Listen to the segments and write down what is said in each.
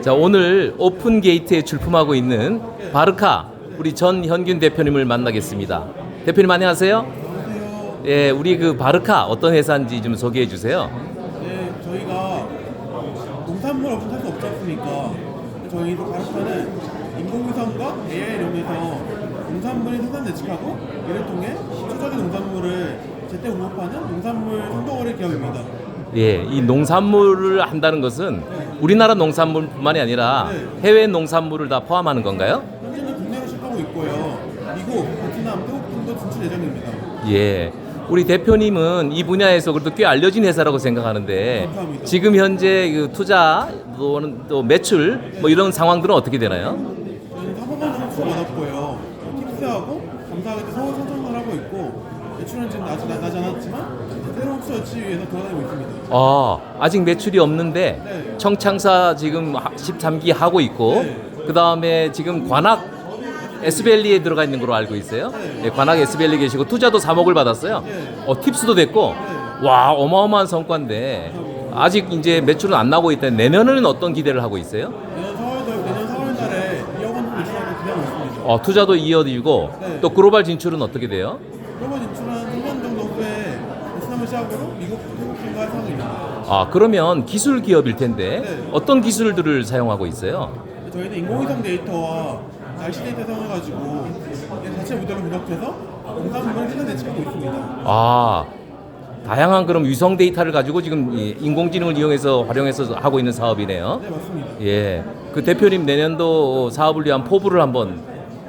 자, 오늘 오픈 게이트에 출품하고 있는 바르카 우리 전현균 대표님을 만나겠습니다. 대표님 안녕하세요. 안녕하세요. 예, 우리 그 바르카 어떤 회사인지 좀 소개해 주세요. 네, 저희가 농산물 없이 살 수 없지 않습니까? 저희도 바르카는 인공위성과 AI를 이용해서 농산물의 생산 예측하고 이를 통해 추적인 농산물을 제때 공급하는 농산물 선도거래 기업입니다. 예, 이 농산물을 한다는 것은 우리나라 농산물뿐만이 아니라 해외 농산물을 다 포함하는 건가요? 현재는 국내로 시작하고 있고요. 미국, 베트남, 태국 등도 진출 예정입니다. 예. 우리 대표님은 이 분야에서 그래도 꽤 알려진 회사라고 생각하는데 감사합니다. 지금 현재 그 투자 또는 또 매출 뭐 이런 상황들은 어떻게 되나요? 저희는 4번만 선수 받았고요. 팁스하고 감사하게 서울 선정을 하고 있고 매출은 지금 아직 나지 않았지만 새로운 흡수 여치 위해서 돌아다니고 있습니다. 아직 매출이 없는데 네. 청창사 지금 13기 하고 있고 네. 그 다음에 지금 관악 S밸리에 들어가 있는 걸로 알고 있어요. 예, 관악 S밸리 계시고 투자도 3억을 받았어요. 팁스도 됐고 와 어마어마한 성과인데 아직 이제 매출은 안 나고 있다. 내년에는 어떤 기대를 하고 있어요? 내년 4월 달에 2억 원 매출하고 기대하고 있습니다. 투자도 이어지고 네. 또 글로벌 진출은 어떻게 돼요? 글로벌 진출한 3년 정도 후에 베트남을 시작으로 미국, 태국 등과 할 상황입니다. 그러면 기술 기업일 텐데 네. 어떤 기술들을 사용하고 있어요? 저희는 인공위성 데이터와 날씨 데이터 사용해가지고 자체 모델로 분석해서 농산물을 생산 예측하고 있습니다. 다양한 그럼 위성 데이터를 가지고 지금 이 인공지능을 이용해서 활용해서 하고 있는 사업이네요. 네, 맞습니다. 예, 그 대표님 내년도 사업을 위한 포부를 한번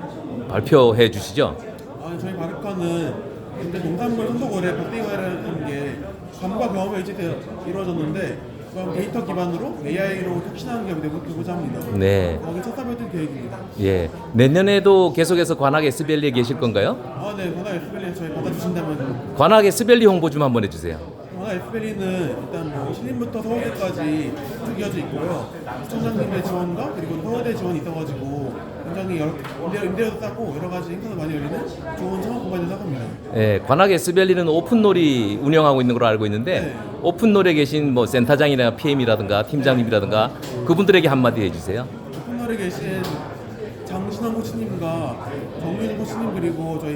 발표해 주시죠. 저희 바르카는 현재 농산물 선도거래 박대거래라는 게 감과 경험에 의지되어 이루어졌는데 그럼 데이터 기반으로 AI로 혁신하는 기업이 되고자 합니다. 네, 거기 첫 사업했던 계획입니다. 예, 내년에도 계속해서 관악 S밸리에 계실 건가요? 네, 관악 에스벨리 저희 받아주신다면 관악 S밸리 홍보 좀 한번 해주세요. 관악 에스벨리는 일단 뭐 신림부터 서울대까지 쭉 이어져 있고요. 시청장님의 지원과 그리고 서울대 지원이 있어가지고 굉장히 임대료도 싸고 여러 가지 행사도 많이 열리는 좋은 창업 공간이라고 생각합니다. 예, 관악 S밸리는 오픈놀이 운영하고 있는 걸로 알고 있는데 네. 오픈놀에 계신 뭐 센터장이나 PM이라든가 팀장님이라든가 그분들에게 한마디 해주세요. 오픈널에 계신 장신환 코치님과 정윤 코치님 그리고 저희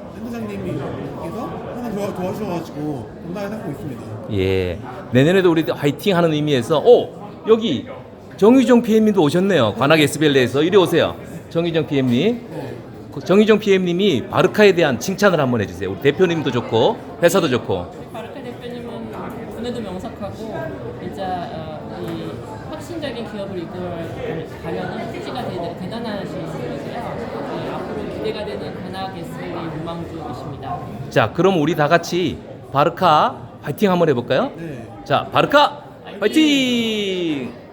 센터장님께서 항상 도와주셔가지고 건강하게 살고 있습니다. 예, 내년에도 우리 화이팅 하는 의미에서 여기 정유정 PM님도 오셨네요. 관악 S밸리에서 이리 오세요. 정유정 PM님. 정유정 PM님이 바르카에 대한 칭찬을 한번 해주세요. 우리 대표님도 좋고 회사도 좋고. 바르카 대표님은 분야도 명석하고 진짜 이 혁신적인 기업을 이끌어가려는 투지가 대단하신 분이세요. 앞으로 기대가 되는 관악 S밸리 유망주이십니다. 자, 그럼 우리 다 같이 바르카 화이팅 한번 해볼까요? 네. 자, 바르카 화이팅!